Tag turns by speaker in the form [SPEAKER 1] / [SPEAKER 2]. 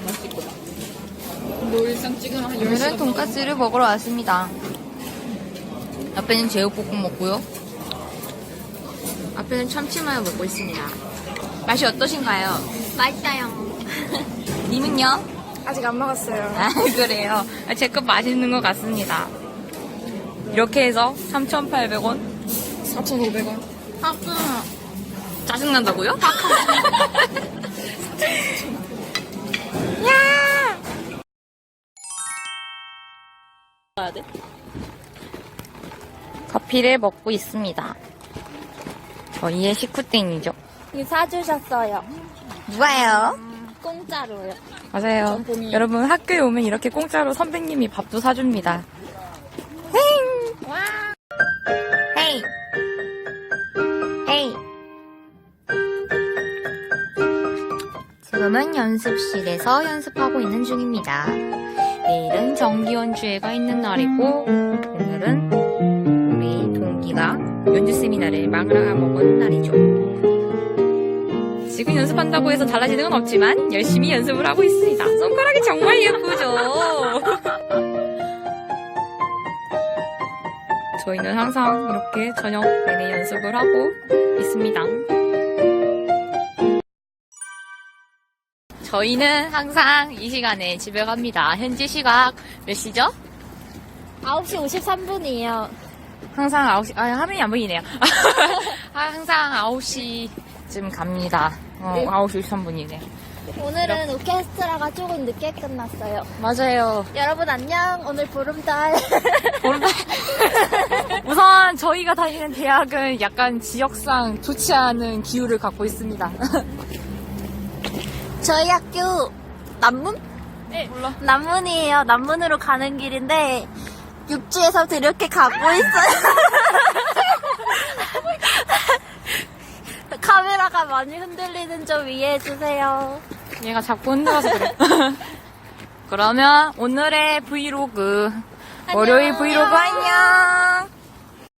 [SPEAKER 1] 맛있거든. 너 일상 찍으면 한 10시간.
[SPEAKER 2] 오늘은 돈까스를 먹으러 왔습니다. 앞에는 제육볶음 먹고요. 앞에는 참치마요 먹고 있습니다. 맛이 어떠신가요?
[SPEAKER 3] 맛있어요.
[SPEAKER 2] 님은요?
[SPEAKER 3] 아직 안 먹었어요.
[SPEAKER 2] 아, 그래요. 제 것 맛있는 것 같습니다. 이렇게 해서 3,800원.
[SPEAKER 1] 4,500원.
[SPEAKER 2] 짜증난다고요? 야!
[SPEAKER 1] 가야 돼?
[SPEAKER 2] 커피를 먹고 있습니다. 저희의 식구땡이죠.
[SPEAKER 3] 이거 사주셨어요.
[SPEAKER 2] 누가요?
[SPEAKER 3] 공짜로요.
[SPEAKER 2] 맞아요.
[SPEAKER 1] 전통이.
[SPEAKER 2] 여러분 학교에 오면 이렇게 공짜로 선배님이 밥도 사줍니다. 헤잉! 헤이! 헤이! 지금은 연습실에서 연습하고 있는 중입니다. 내일은 정기 연주회가 있는 날이고 오늘은 우리 동기가 연주 세미나를 마감을 먹은 날이죠. 지금 연습한다고 해서 달라지는 건 없지만 열심히 연습을 하고 있습니다. 손가락이 정말 예쁘죠? 저희는 항상 이렇게 저녁 내내 연습을 하고 있습니다. 저희는 항상 이 시간에 집에 갑니다. 현재 시각 몇 시죠?
[SPEAKER 3] 9시 53분이에요.
[SPEAKER 2] 항상 9시, 화면이 안 보이네요. 항상 9시쯤 갑니다. 9시 53분이네.
[SPEAKER 3] 오늘은 오케스트라가 조금 늦게 끝났어요.
[SPEAKER 2] 맞아요.
[SPEAKER 3] 여러분 안녕. 오늘 보름달.
[SPEAKER 2] 우선 저희가 다니는 대학은 약간 지역상 좋지 않은 기후를 갖고 있습니다.
[SPEAKER 3] 저희 학교 남문?
[SPEAKER 2] 네, 몰라.
[SPEAKER 3] 남문이에요. 남문으로 가는 길인데 육지에서 이렇게 가고 있어요. 카메라가 많이 흔들리는 점 이해해 주세요.
[SPEAKER 2] 얘가 자꾸 흔들어서 그래. 그러면 오늘의 브이로그, 월요일 브이로그 안녕!